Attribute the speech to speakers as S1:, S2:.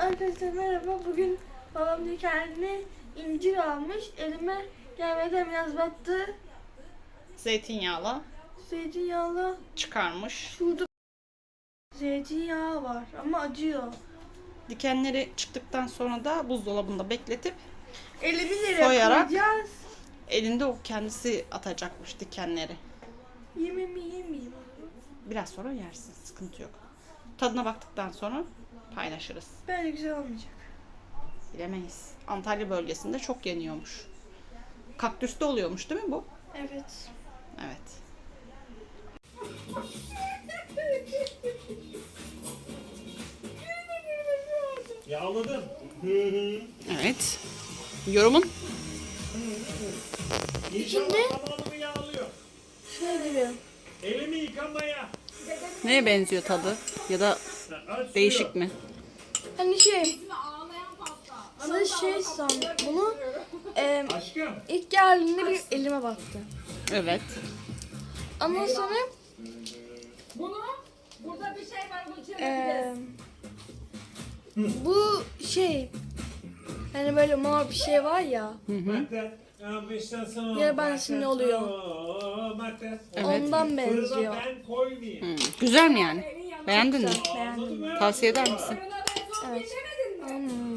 S1: Arkadaşlar merhaba. Bugün babam diyor kendine incir almış. Elime gelmeden biraz battı.
S2: Zeytinyağlı
S1: Zeytinyağlı.
S2: çıkarmış.
S1: Şurada zeytinyağı var ama acıyor.
S2: Dikenleri çıktıktan sonra da buzdolabında bekletip
S1: Elimi nereye
S2: soyarak
S1: koyacağız?
S2: elinde o kendisi atacakmış dikenleri.
S1: Yemeyeyim.
S2: Biraz sonra yersin, sıkıntı yok. Tadına baktıktan sonra paylaşırız.
S1: Böyle güzel olmayacak.
S2: Bilemeyiz. Antalya bölgesinde çok yeniyormuş. Kaktüste oluyormuş değil mi bu?
S1: Evet.
S2: Evet.
S3: Yağladım.
S2: Evet. Yorumun?
S1: İçinde
S3: Tamamını yağlıyor.
S1: şey gibi.
S3: Elimi yıkamaya.
S2: Neye benziyor tadı? Ya da
S3: Aç
S2: değişik
S3: suyu.
S2: mi?
S1: Hani size şey sandım. Bunu
S3: Aşkım.
S1: ilk geldiğinde bir elime battı.
S2: Evet.
S1: Ondan sonra
S4: Burada bir şey var, bunu çevireceğiz.
S1: bu şey hani böyle mor bir şey var ya. Ya ben şimdi oluyor.
S2: Evet.
S1: Ondan benziyor.
S3: Ben koymayayım.
S2: Güzel mi yani? Beğendin mi?
S1: Beğendim.
S2: Tavsiye eder misin?
S1: Evet.
S4: Geçemedin mi?